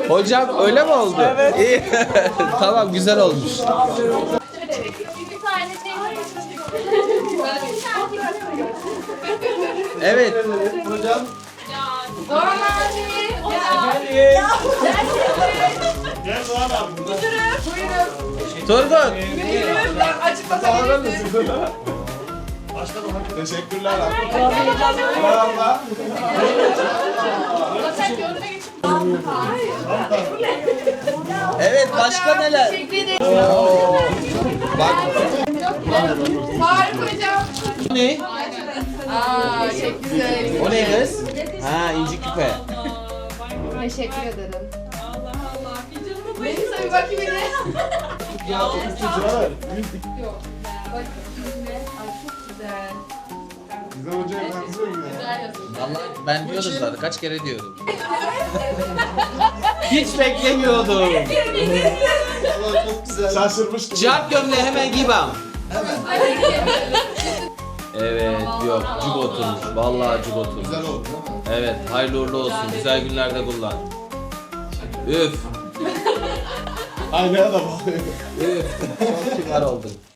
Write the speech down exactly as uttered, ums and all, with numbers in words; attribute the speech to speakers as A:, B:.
A: Hocam öyle mi oldu? Evet. İyi. Tamam, güzel olmuş. Evet.
B: Hocam.
C: Doğan abi.
B: Efendim. Gel Doğan abi.
A: Turgut.
C: Açık bakabilirsin.
B: Teşekkürler abi. Merhaba.
A: Evet, başka neler?
C: Teşekkür ederim.
A: Oo. Bak.
C: Faruk hocam.
A: Bu ne?
C: Aa çok güzel.
A: O ne kız? Ha, inci küpe.
C: Teşekkür ederim. Melisa bir bakayım yine.
B: Ya çok güzel.
C: Yok. Bak şimdi. Ay çok güzel.
B: Güzel hocaya benziyor mu ya?
C: Güzel yazıyor.
A: Vallahi ben diyordum zaten, kaç kere diyordum. Hiç beklemiyordum.
B: Valla çok güzel. Şaşırmıştım.
A: Cevap gömleği hemen giy bana. Evet, yok, cuk oturmuş. Vallahi cuk oturmuş.
B: Güzel oldu değil mi?
A: Evet, hayırlı uğurlu olsun. Güzel günlerde kullan. Üf.
B: Aynaya da bağlıyor.
A: Üf. Çok kibar oldun.